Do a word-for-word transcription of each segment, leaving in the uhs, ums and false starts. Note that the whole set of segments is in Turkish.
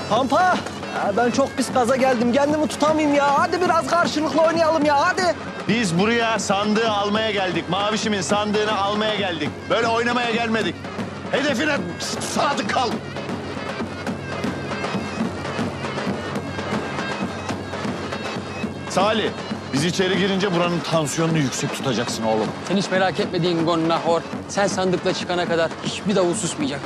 Pampa, ya ben çok pis gaza geldim. Kendimi tutamayayım ya. Hadi biraz karşılıklı oynayalım ya, hadi. Biz buraya sandığı almaya geldik. Mavişimin sandığını almaya geldik. Böyle oynamaya gelmedik. Hedefine sadık kal. Salih, biz içeri girince buranın tansiyonunu yüksek tutacaksın oğlum. Sen hiç merak etmediğin Gonnahor. Sen sandıkla çıkana kadar hiçbir davul susmayacak.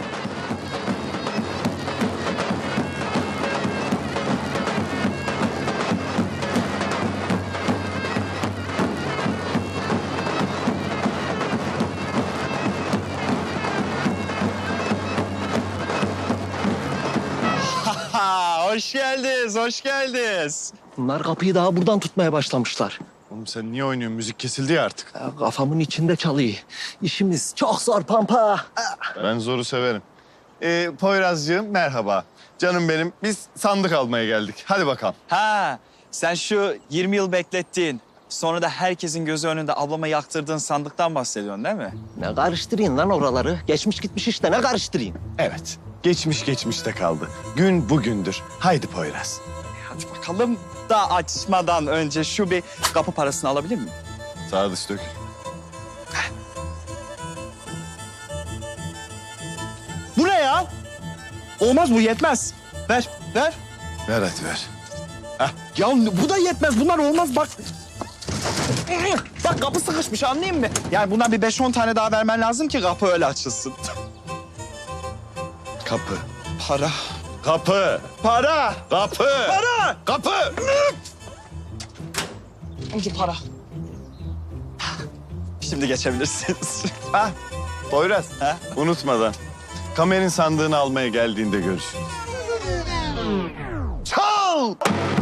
Ha, hoş geldiniz, hoş geldiniz. Bunlar kapıyı daha buradan tutmaya başlamışlar. Oğlum sen niye oynuyorsun? Müzik kesildi ya artık. Ya kafamın içinde çalıyor. İşimiz çok zor Pampa. Ben zoru severim. Ee, Poyrazcığım merhaba. Canım benim, biz sandık almaya geldik. Hadi bakalım. Ha, sen şu yirmi yıl beklettiğin, sonra da herkesin gözü önünde ablama yaktırdığın sandıktan bahsediyorsun değil mi? Ne karıştırayım lan oraları? Geçmiş gitmiş işte, ne karıştırayım? Evet, geçmiş geçmişte kaldı. Gün bugündür. Haydi Poyraz. Hadi bakalım da açmadan önce şu bir kapı parasını alabilir miyim? Sağa dış dök. Bu ne ya? Olmaz bu yetmez. Ver, ver. Ver hadi ver. Ya bu da yetmez. Bunlar olmaz bak. Bak kapı sıkışmış anlayayım mı? Yani bundan bir beş on tane daha vermen lazım ki kapı öyle açılsın. Kapı. Para. Kapı. Para. Kapı. Para. Kapı. Önce para. Şimdi geçebilirsiniz. Ah, Poyraz. Ha? Unutmadan. Kamer'in sandığını almaya geldiğinde görüşürüz. Çal!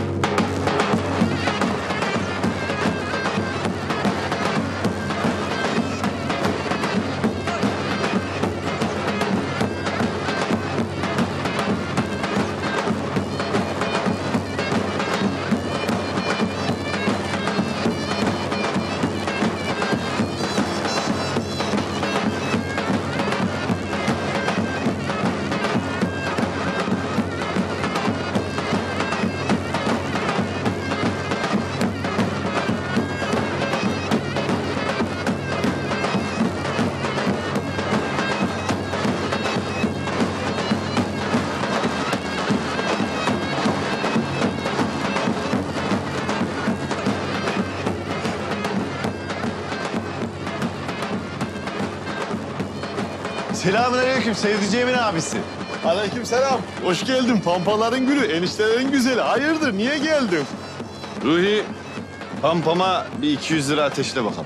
Selamünaleyküm sevdiceğimin abisi. Aleykümselam. Hoş geldin. Pampaların gülü, eniştelerin güzeli. Hayırdır, niye geldin? Ruhi, pampama bir iki yüz lira ateşle bakalım.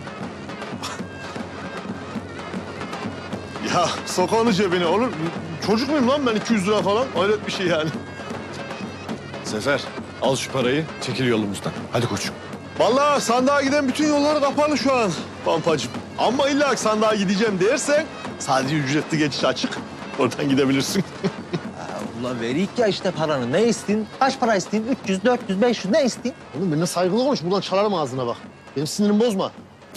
Ya sok onu cebine olur. Çocuk muyum lan ben iki yüz lira falan? Hayret bir şey yani. Sefer, al şu parayı, çekil yolumuzdan. Hadi koçum. Vallahi sandığa giden bütün yollar kapalı şu an Pampacığım. Ama illa ki sandığa gideceğim dersen sadece ücretli geçiş açık. Oradan gidebilirsin. Ulan veriyik ya işte paranı. Ne istin? Kaç para istin? üç yüz, dört yüz, beş yüz ne istin? Oğlum benimle saygılı konuş. Buradan çalarım ağzına bak. Benim sinirimi bozma.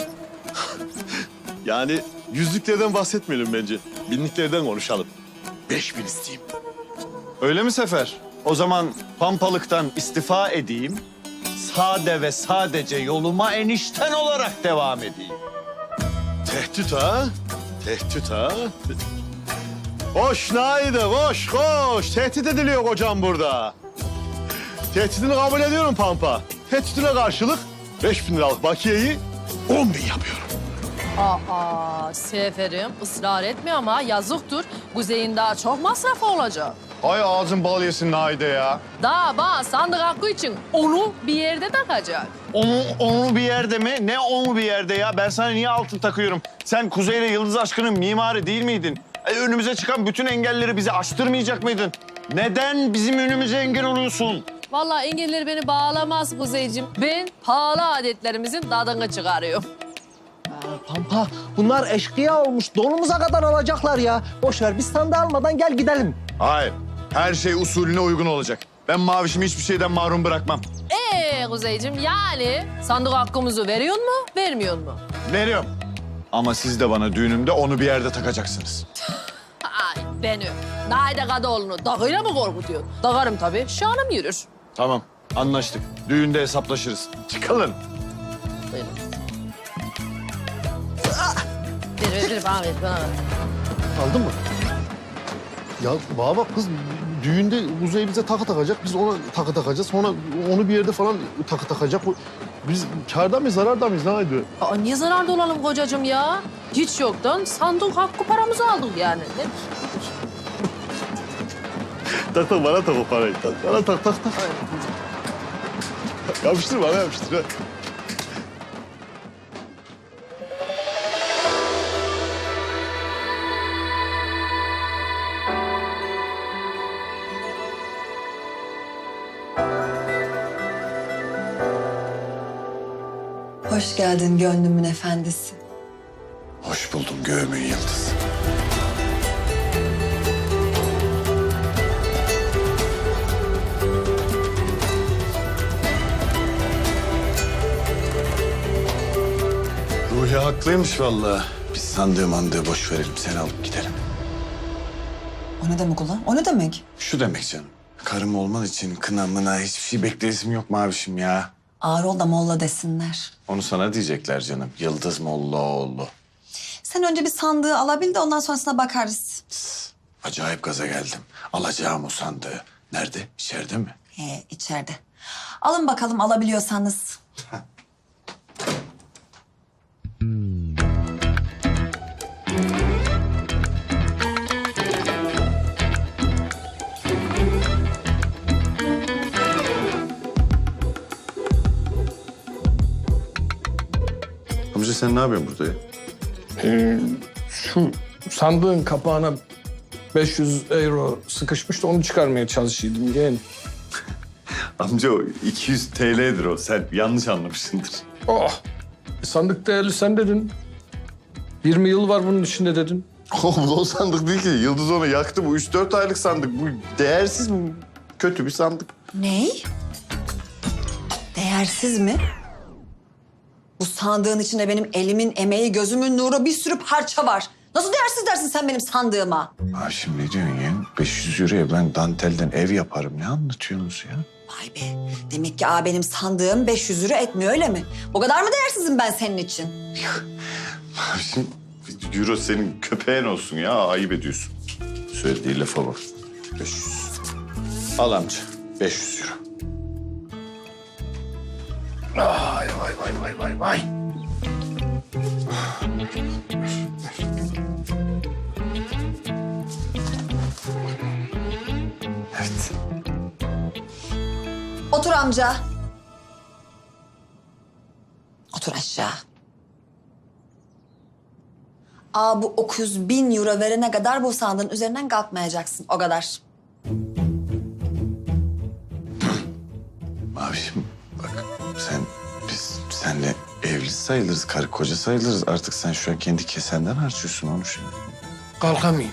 Yani yüzlüklerden bahsetmeyelim bence. Binliklerden konuşalım. Beş bin isteyeyim. Öyle mi Sefer? O zaman pampalıktan istifa edeyim. Sade ve sadece yoluma enişten olarak devam edeyim. Tehdit ha? Tehdit ha? Koş Naide, koş, koş. Tehdit ediliyor kocam burada. Tehditini kabul ediyorum Pampa. Tehditine karşılık beş bin liralık bakiyeyi on bin yapıyorum. Aa, Seferim ısrar etme ama yazıktır. Kuzey'in daha çok masrafı olacak. Ay ağzın bal yesin Naide ya. Daha bana sandık hakkı için onu bir yerde takacak. Onu, onu bir yerde mi? Ne onu bir yerde ya? Ben sana niye altın takıyorum? Sen Kuzey'le Yıldız Aşkı'nın mimarı değil miydin? E, önümüze çıkan bütün engelleri bize aştırmayacak mıydın? Neden bizim önümüze engel oluyorsun? Vallahi engelleri beni bağlamaz Kuzeyciğim. Ben pahalı adetlerimizin tadını çıkarıyorum. Pampa, bunlar eşkıya olmuş. Donumuza kadar alacaklar ya. Boş ver, biz sandığı almadan gel gidelim. Hayır. Her şey usulüne uygun olacak. Ben mavişimi hiçbir şeyden mahrum bırakmam. Ee Kuzeyciğim yani sandık hakkımızı veriyor mu, vermiyor mu? Veriyorum. Ama siz de bana düğünümde onu bir yerde takacaksınız. Ay beni. Naide Kadıoğlu'nu dağıyla mı korkutuyor? Dağarım tabii, şanım yürür. Tamam, anlaştık. Düğünde hesaplaşırız. Çıkalım. Buyurun. Ver, ver, ver, bana ver, bana ver. Aldın mı? Ya bana bak kız, düğünde Kuzey bize takı takacak, biz ona takı takacağız. Sonra onu bir yerde falan takı takacak. O- Biz kârda mıyız, zararda mıyız, ne ediyor? Aa, niye zararda olalım kocacığım ya? Hiç yoktan sandık hakkı paramızı aldık yani. Ne? Tak tak bana tak o parayı. Tak, bana tak tak tak. Yapıştır bana yapıştır. ha. Hoş geldin gönlümün efendisi. Hoş buldum göğümün yıldızı. Ruhi haklıymış vallahi. Biz sandığı mandığı boş verelim, seni alıp gidelim. O ne demek ulan? O ne demek? Şu demek canım, karım olman için kına mına hiçbir şey bekleyesim yok mavişim ya. Ağır ol da molla desinler. Onu sana diyecekler canım, Yıldız Mollaoğlu. Sen önce bir sandığı alabil de ondan sonrasına bakarız. Acayip gaza geldim. Alacağım o sandığı. Nerede? İçeride mi? He, içeride. Alın bakalım alabiliyorsanız. Amca sen ne yapıyorsun burada ya? Şu sandığın kapağına beş yüz euro sıkışmış da onu çıkarmaya çalışıyordum yeğen. Amca o iki yüz T L'dir o. Sen yanlış anlamışsındır. Oh! E, sandık değerli sen dedin. yirmi yıl var bunun içinde dedin. Oğlum o sandık değil ki. Yıldız onu yaktı. Bu üç dört aylık sandık. Bu değersiz mi? Kötü bir sandık. Ney? Değersiz mi? Bu sandığın içinde benim elimin emeği, gözümün nuru, bir sürü parça var. Nasıl değersiz dersin sen benim sandığıma? Ha şimdi ne diyorsun ya? beş yüz euroya ben dantelden ev yaparım. Ne anlatıyorsunuz ya? Vay be. Demek ki aa, benim sandığım beş yüz euro etmiyor öyle mi? O kadar mı değersizim ben senin için? Şimdi euro senin köpeğin olsun ya. Ayıp ediyorsun. Söylediği lafa bak. beş yüz. Al amca. beş yüz euro. Vay vay vay vay vay vay. Evet. Otur amca. Otur aşağı. Aa bu dokuz bin euro verene kadar bu sandığın üzerinden kalkmayacaksın. O kadar. Mavişim bak sen biz senle evli sayılırız, karı koca sayılırız. Artık sen şu an kendi kesenden harcıyorsun onu şimdi. Kalkamayayım.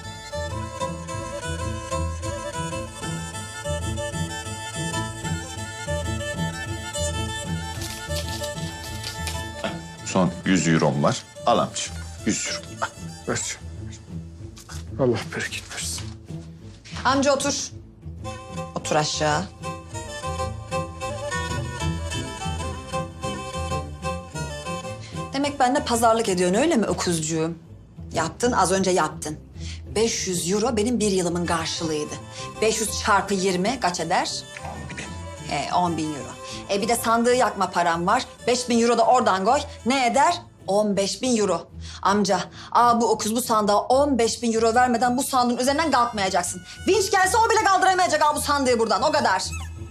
Son yüz eurom var. Al amcığım. yüz euro. Ver. Allah bereket versin. Amca otur. Otur aşağı. Demek benimle pazarlık ediyorsun öyle mi öküzcüğüm? Yaptın, az önce yaptın. beş yüz euro benim bir yılımın karşılığıydı. beş yüz çarpı yirmi kaç eder? He, on bin euro. E bir de sandığı yakma param var. beş bin euro da oradan koy. Ne eder? on beş bin euro. Amca, aa bu okuz bu sandığa on beş bin euro vermeden bu sandığın üzerinden kalkmayacaksın. Vinç gelse o bile kaldıramayacak aa bu sandığı buradan. O kadar.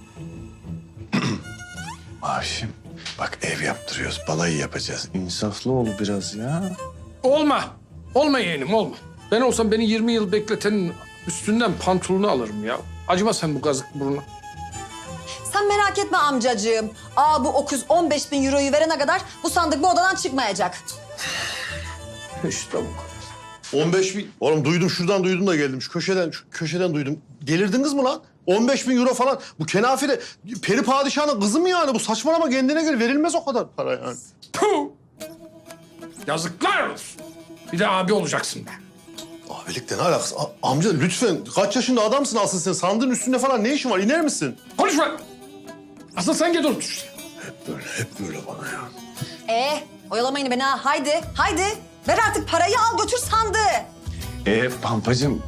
Mavişim bak ev yaptırıyoruz. Balayı yapacağız. İnsaflı ol biraz ya. Olma. Olma yeğenim olma. Ben olsam beni yirmi yıl bekletenin üstünden pantolonu alırım ya. Acıma sen bu kazık buruna. Sen merak etme amcacığım. Aa bu okuz on beş bin euroyu verene kadar bu sandık bu odadan çıkmayacak. İşte bu kadar. on beş bin. Oğlum duydum şuradan duydum da geldim. Şu köşeden şu köşeden duydum. Delirdiniz mi lan? on beş bin euro falan. Bu kenafire peri padişahının kızı mı yani? Bu saçmalama kendine göre verilmez o kadar para yani. Puh! Yazıklar olsun. Bir de abi olacaksın be. Abilikle ne alakası? A- amca lütfen kaç yaşında adamsın asıl sen? Sandığın üstünde falan ne işin var? İner misin? Konuşma. Asıl sen gel otur işte. Böyle hep böyle bana ya. Ee, oyalamayın beni ha. Haydi, haydi. Ver artık parayı al götür sandığı. Ee Pampacığım,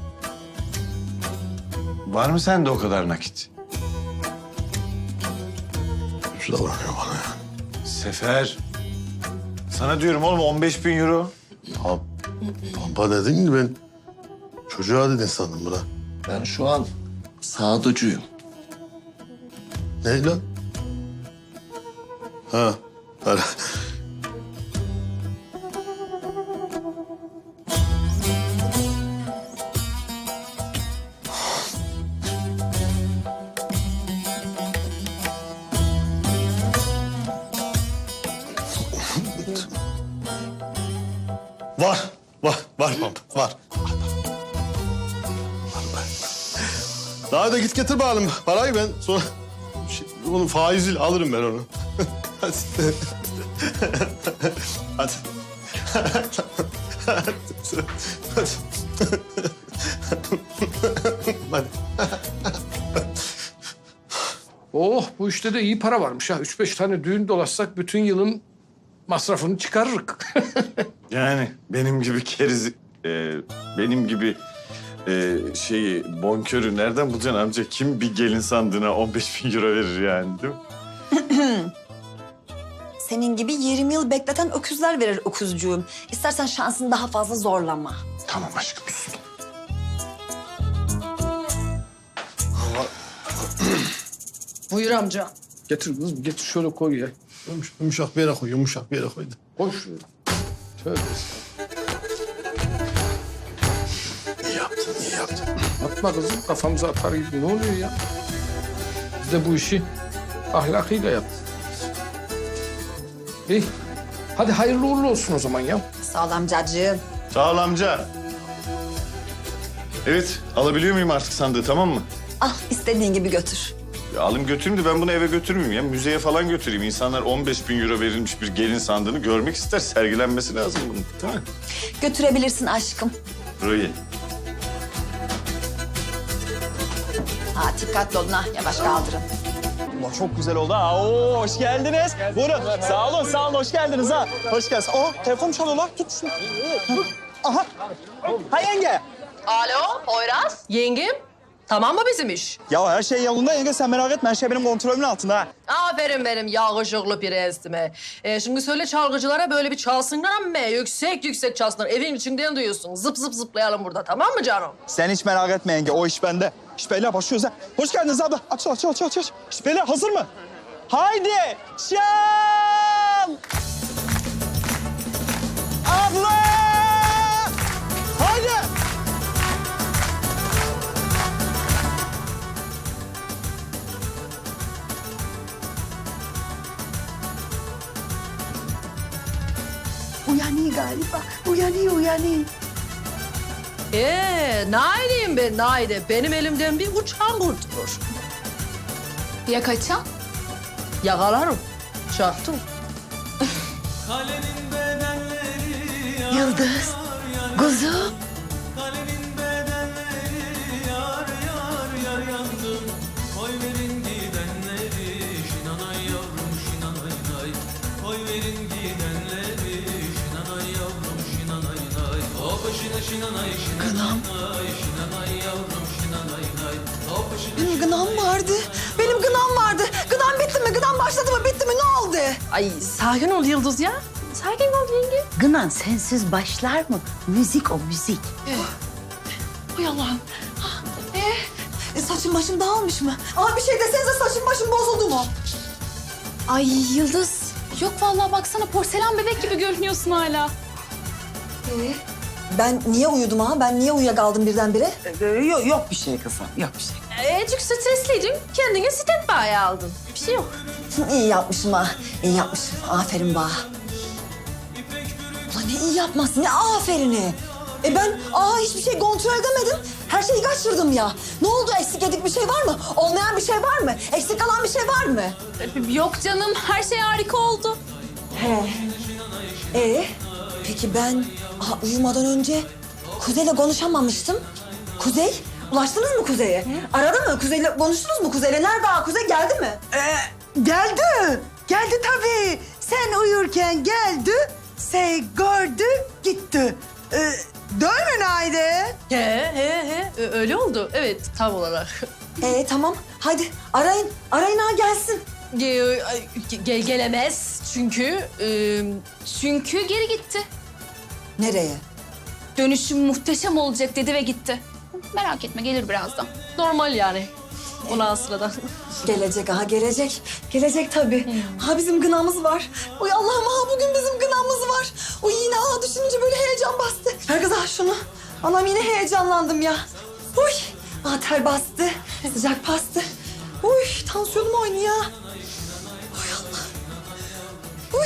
var mı sende o kadar nakit? Şu davranıyor bana ya. Sefer, sana diyorum oğlum on beş bin euro. Pam, Pampa dedin ki ben çocuğa dedin sandım buna. Ben şu an sağducuyum. Ne lan? Ha. Hadi. Var, var, var Pampa, var. Daha da git getir bakalım parayı ben sonra şey, onun faiziyle alırım ben onu. Hadi. Hadi. Hadi. Hadi. Oh bu işte de iyi para varmış ha. Üç beş tane düğün dolaşsak bütün yılın masrafını çıkarırık. Yani benim gibi keriz, e, benim gibi e, şeyi, bonkörü nereden bulacaksın amca? Kim bir gelin sandığına on beş bin euro verir yani değil mi? Senin gibi yirmi yıl bekleten öküzler verir öküzcüğüm. İstersen şansını daha fazla zorlama. Tamam aşkım sus. Buyur amca. Getir kızım getir şöyle koy ya. Yumuş- Yumuşak bir yere koy, yumuşak bir yere koy. Koy şöyle. Tövbe estağfurullah. İyi yaptın, iyi yaptın. Atma kızım kafamıza atar gibi. Ne oluyor ya? Biz de bu işi ahlakıyla yaptık. İyi. Hadi hayırlı uğurlu olsun o zaman ya. Sağ ol amcacığım. Sağ ol amca. Evet, alabiliyor muyum artık sandığı tamam mı? Al istediğin gibi götür. Ya alayım götüreyim de ben bunu eve götürmeyeyim ya. Müzeye falan götüreyim. İnsanlar on beş bin euro verilmiş bir gelin sandığını görmek ister. Sergilenmesi lazım bunun değil mi? Götürebilirsin aşkım. Burayı. Ha dikkatli olun ha yavaş kaldırın. Allah çok güzel oldu ha. Oo, hoş geldiniz. Buyurun. Sağ olun, sağ olun. Hoş geldiniz ha. Hoş geldiniz. Oh, telefon çalıyor lan. Tut şunu. Aha. Ha yenge. Alo Poyraz. Yengem. Tamam mı bizim iş? Ya her şey yolunda yenge, sen merak etme. Her şey benim kontrolümün altında ha. Aferin benim yakışıklı prensime. Ee, şimdi söyle çalgıcılara böyle bir çalsınlar ama yüksek yüksek çalsınlar. Evin içinden duyuyorsun. Zıp zıp zıplayalım burada tamam mı canım? Sen hiç merak etme yenge. O iş bende. İş beyler başlıyoruz ha. Hoş geldiniz abla. Aç, aç, aç, aç, aç. İş beyler hazır mı? Haydi. Çal. Abla. Haydi. Uyanıyor galiba. Uyanıyor, uyanıyor. Ee, naideyim ben naide. Benim elimden bir uçan kurtulur. Ya kaçan? Yakalarım. Çaktım. Yıldız, kuzum. Gınam. Benim gınam vardı. Benim gınam vardı. Gınam bitti mi? Gınam başladı mı? Bitti mi? Ne oldu? Ay sakin ol Yıldız ya. Sakin ol yenge. Gınan sensiz başlar mı? Müzik o müzik. Hay Allah'ım. Ah, Ee, e, saçım başım dağılmış mı? Aa bir şey desenize saçım başım bozuldu mu? Ay Yıldız. Yok vallahi baksana porselen bebek gibi görünüyorsun hala. Ee, ben niye uyudum ha? Ben niye uyuyakaldım birdenbire? Yok, yok bir şey kızım, yok bir şey. Ee, çünkü stresliydin. Kendine standby'e aldın. Bir şey yok. İyi yapmışım ha. İyi yapmışım. Aferin bana. Ulan ne iyi yapmasın, ne aferini. E ben aa hiçbir şey kontrol edemedim. Her şeyi kaçırdım ya. Ne oldu? Eksik edik bir şey var mı? Olmayan bir şey var mı? Eksik kalan bir şey var mı? Yok canım her şey harika oldu. He. Ee, peki ben aha, uyumadan önce Kuzey'le konuşamamıştım. Kuzey, ulaştınız mı Kuzey'e? Aradı mı? Kuzey'le konuştunuz mu Kuzey'le? Nerede ha? Kuzey geldi mi? Ee, geldi. Geldi tabii. Sen uyurken geldi. Şey gördü, gitti. Ee, değil mi Naide? He he he Ö- öyle oldu. Evet tam olarak. Ee tamam, hadi arayın. Arayın ha gelsin. Ge- ge- gelemez çünkü e, Çünkü geri gitti. Nereye? Dönüşüm muhteşem olacak dedi ve gitti. Merak etme gelir birazdan. normal yani. Ona sıradan. Gelecek ha gelecek. Gelecek tabii. Ha bizim gınamız var. Uy Allah'ım ha bugün bizim gınamız var. Uy yine ha düşününce böyle heyecan bastı. Ver kız ha şunu. Anam yine heyecanlandım ya. Uy. Ha ter bastı. Sıcak bastı. Uy tansiyonum oynuyor. Uy Allah. Uy.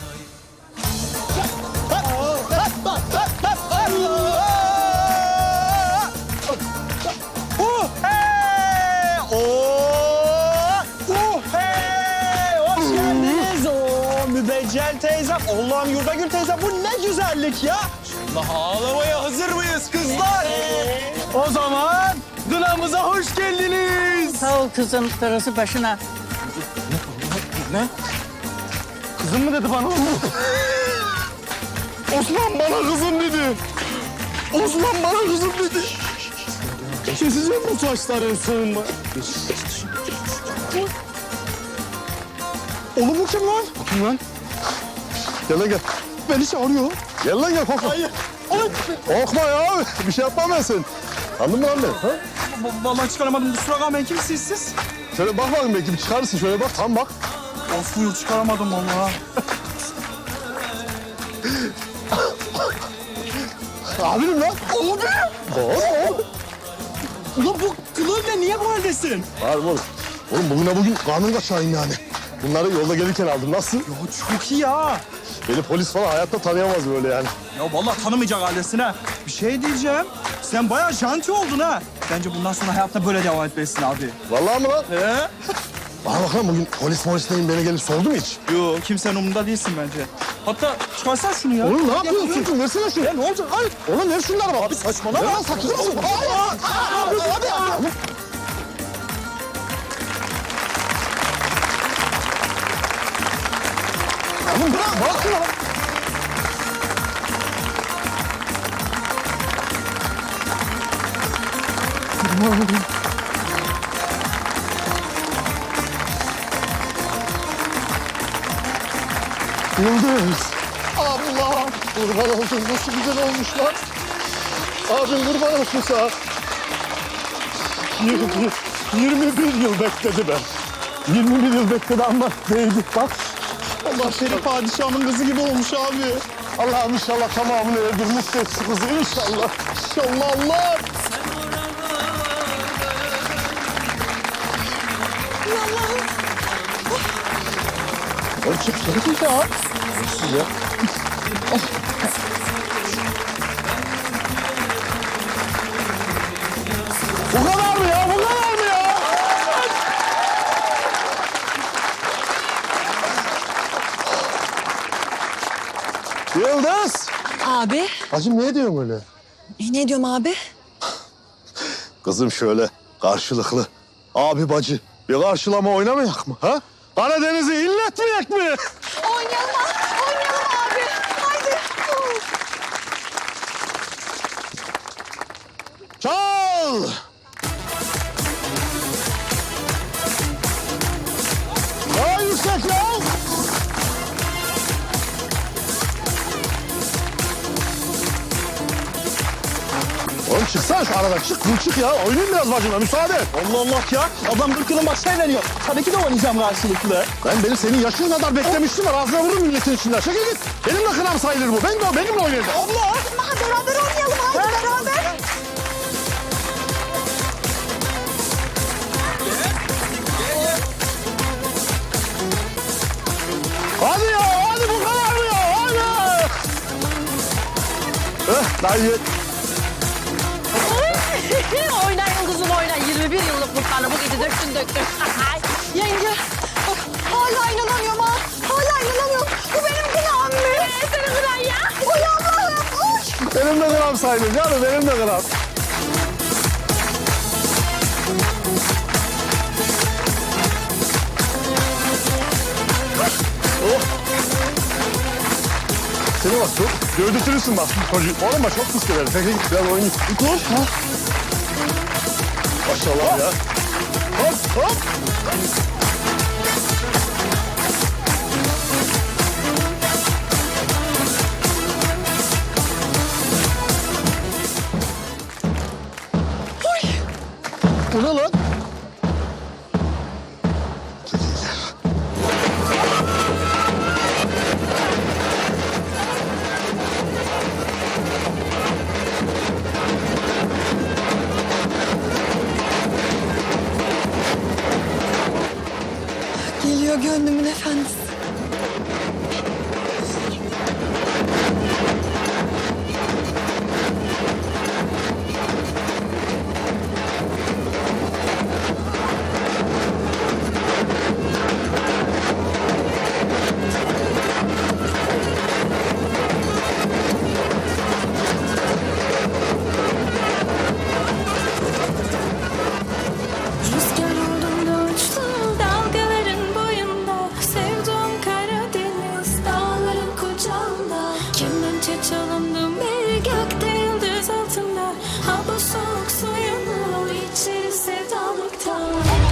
Uh, hey! Oh! Uh, hey! Hoş geldiniz. Oo, Mübeccel teyzem. Allah'ım Yurdagül teyzem bu ne güzellik ya. Allah ağlamaya hazır mıyız kızlar? O zaman kınamıza hoş geldiniz. Sağ ol kızım, darısı başına. Kızım mı dedi bana? Osman bana kızım dedi. Osman bana kızım dedi. Keseceğim bu saçların sığınma. Oğlum bu kim lan? Kim lan? Gel lan gel. Beni çağırıyor. Gel lan gel korkma. Hayır. Korkma ya. Bir şey yapmam ben senin. Anladın mı lan beni? Ha? Vallahi çıkaramadım. Kusura kalmayın. Kimsiniz siz? Şöyle bak bakayım belki bir çıkarırsın. Şöyle bak tam bak. Of buyur çıkaramadım vallahi. Abinim lan. Oğlum Oğlum. Ulan bu kılığıyla niye bu haldesin? Var oğlum. Oğlum bugüne bugün kanun kaçağıyım yani. Bunları yolda gelirken aldım. Nasıl? Ya çok iyi ya. Beni polis falan hayatta tanıyamaz böyle yani. Ya vallahi tanımayacak haldesin ha. Bir şey diyeceğim. Sen bayağı janti oldun ha. Bence bundan sonra hayatta böyle devam etmelisin abi. Vallahi mi lan? He? Bana bak lan bugün polis polis neyim beni gelip sordu mu hiç? Yo kimsenin umurunda değilsin bence. Hatta çıkarsan şunu ya. Oğlum ne yapıyorsun? Versene şunu. Ya ne olacak? Hayır. Oğlum ver şunları bak. Abi saçmalama. Ver lan sakın. Hadi hadi. Oğlum bırak. Bırak şunu. Yıldız. Allah. Kurban oldum. Nasıl güzel olmuş lan. Abim kurban olsun sana. yirmi, yirmi bir yıl bekledi ben. yirmi bir yıl bekledi ama değdi bak. Allah seni padişahımın kızı gibi olmuş abi. Allah'ım inşallah tamamını öldürmüş de şu kızı inşallah. İnşallah Allah. Oğlum çık çık ya. Ya. Bu kadar mı ya? Bu kadar mı ya? Yıldız. Abi. Hacım ne diyorsun öyle? E, ne diyorum abi? Kızım şöyle karşılıklı abi bacı bir karşılama oynamayak mı? Ha? Karadeniz'i inletmeyek mi? Oynayalım ha. Oynayalım abi. Haydi. Çal! Daha yüksek ya! Oğlum çıksana şu aradan çık, dur çık ya. Oynayayım biraz bacımla, müsaade et. Allah Allah ya. Adam kırk yılın başına veriyor. Tabii ki de oynayacağım karşılıklı. Ben benim senin yaşın kadar beklemiştim var. Ağzına vururum milletin içinden. Çekil git. Benim de kınam sayılır bu. Ben de benimle oynayacağım. Allah! Ha, beraber oynayalım. Haydi beraber. Hadi ya, hadi bu kadar mı ya? Hadi! Eh, daha iyi. Oynayın kızım oynayın. yirmi bir yıllık mutlarını bu gece döktün döktün. Yenge. Bak hala inanamıyorum ha. Hala inanamıyorum. Bu benim günahım mı? Senin kıran ya. Uy Allah'ım. Uy. Benim de gram sayılır canım, benim de gram. Oh. Seni bak çok gövdetürürsün bak. Çocuğu. Oğlum bak çok fıskılar. Peki git biraz oynayın. Koş. Ha. Maşallah ya. Hop hop. Bu ne lan? Geliyor gönlümün efendisi. Rüzgar oldum da uçtum dalgaların boyunda. Sevduğum Karadeniz dağların kucağında. Kemençe çalındım bir gökte yıldız altında. Ha bu soğuk suyunu içeri sevdalıktan.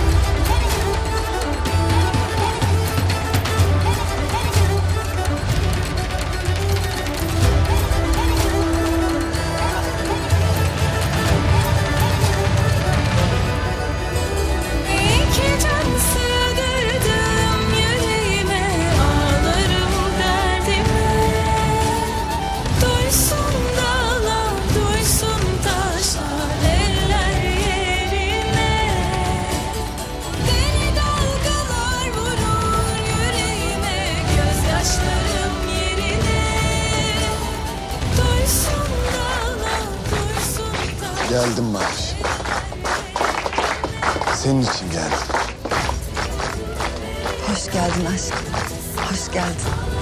İki can sığdırdım yüreğime, ağlarım derdime. Duysun dağlar, duysun taşlar, eller yerine. Deli dalgalar vurur yüreğime, gözyaşlarım yerine. Duysun dağlar, duysun taşlar. Geldim Maviş. Senin için geldim. Hoş geldin aşkım. Hoş geldin.